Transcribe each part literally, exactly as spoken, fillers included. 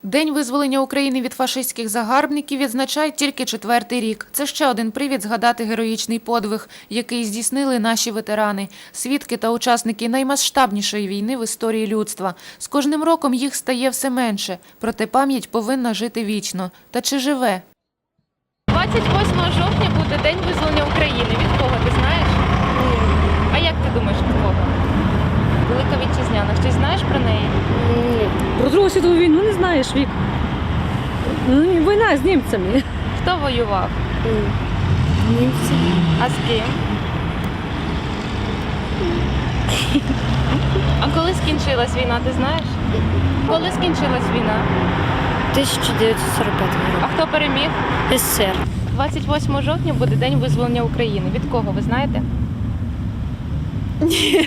День визволення України від фашистських загарбників відзначають тільки четвертий рік. Це ще один привід згадати героїчний подвиг, який здійснили наші ветерани, свідки та учасники наймасштабнішої війни в історії людства. З кожним роком їх стає все менше, проте пам'ять повинна жити вічно. Та чи живе? двадцять восьмого жовтня буде День визволення України. Від кого, ти знаєш? Ні. А як ти думаєш, від кого? Велика Вітчизняна. Щось знаєш про неї? Ні. Про Другу світову війну не знаєш, Вік. Ну, війна з німцями. Хто воював? Німці. А з ким? А коли скінчилась війна, ти знаєш? Коли скінчилась війна? тисяча дев'ятсот сорок п'ятий А рік. хто переміг? СССР. двадцять восьмого жовтня буде День визволення України. Від кого, ви знаєте? Ні.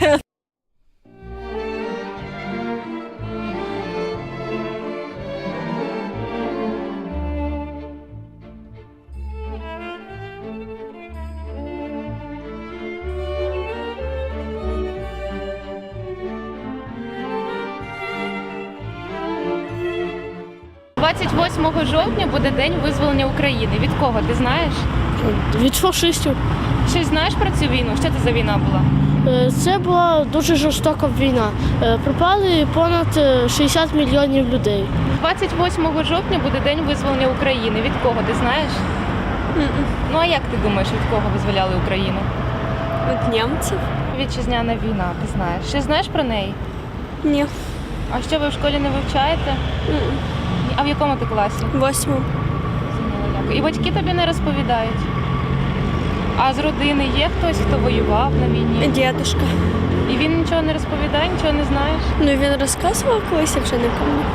двадцять восьмого жовтня буде День визволення України. Від кого, ти знаєш? Від фашистів. Щось знаєш про цю війну? Що це за війна була? Це була дуже жорстока війна. Пропали понад шістдесят мільйонів людей. двадцять восьмого жовтня буде День визволення України. Від кого, ти знаєш? Ну а як ти думаєш, від кого визволяли Україну? Від німців? Вітчизняна війна, ти знаєш. Що знаєш про неї? Ні. А що ви в школі не вивчаєте? А в якому ти класі? Восьму. І батьки тобі не розповідають? А з родини є хтось, хто воював на війні? Дідушка. І він нічого не розповідає, нічого не знаєш? Ну він розказував колись, якщо не пам'ятаю.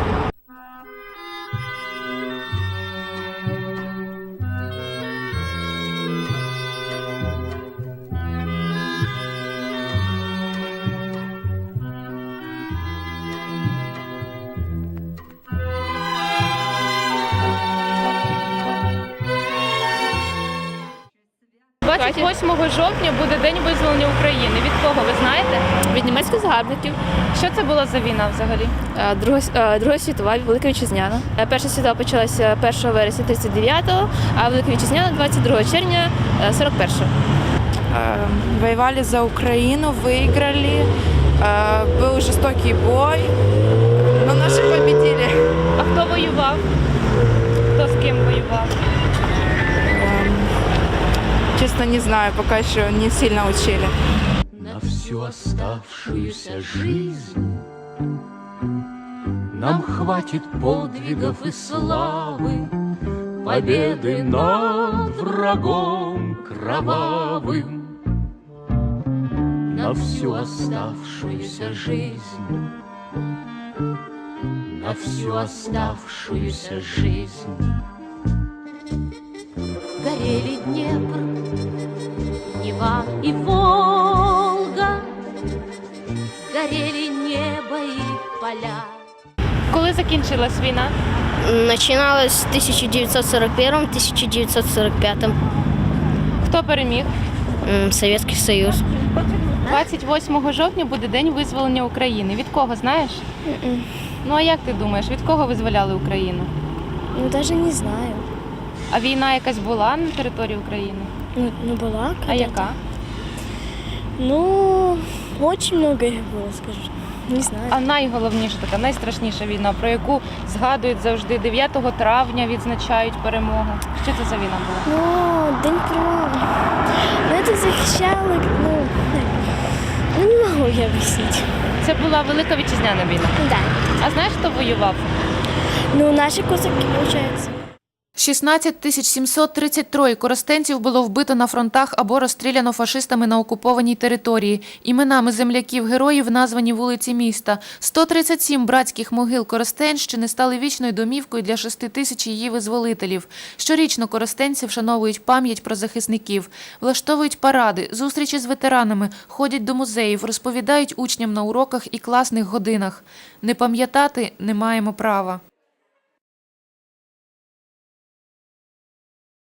двадцять восьмого жовтня буде День визволення України. Від кого, ви знаєте? Від німецьких загарбників. Що це була за війна взагалі? Е, Друга, е, Друга світова, Велика Вітчизняна. Е, Перша світова почалася першого вересня тридцять дев'ятого, а Велика Вітчизняна двадцять другого червня е, сорок першого. Воевали за Украину, выиграли. Был жестокий бой, но наши победили. А хто воював? Хто з ким воював? Честно, не знаю, пока еще не сильно учили. На всю оставшуюся жизнь нам хватит подвигов и славы, победы над врагом кровавым. На всю оставшуюся жизнь, на всю оставшуюся жизнь. Горели Днепр, Нева и Волга, горели небо и поля. Коли закінчилась війна? Починалось в тисяча дев'ятсот сорок першому - тисяча дев'ятсот сорок п'ятому. Хто переміг? Совєтський Союз. двадцять восьмого жовтня буде День визволення України. Від кого, знаєш? Ну а як ти думаєш, від кого визволяли Україну? Ну, навіть не знаю. А війна якась була на території України? Ну, ну була. А яка? Ну, очень много их было, скажу. Не знаю. А найголовніша така, найстрашніша війна, про яку згадують завжди дев'ятого травня, відзначають перемогу. Що це за війна була? Ну, День перемоги. Ну, это захищали, ну, ну, не могу я объяснить. Це була Велика Вітчизняна війна. Да. А знаєш, хто воював? Ну, наши козаки, получается. шістнадцять тисяч сімсот тридцять троє коростенців було вбито на фронтах або розстріляно фашистами на окупованій території. Іменами земляків-героїв названі вулиці міста. сто тридцять сім братських могил Коростенщини стали вічною домівкою для шести тисяч її визволителів. Щорічно коростенці вшановують пам'ять про захисників, влаштовують паради, зустрічі з ветеранами, ходять до музеїв, розповідають учням на уроках і класних годинах. Не пам'ятати не маємо права.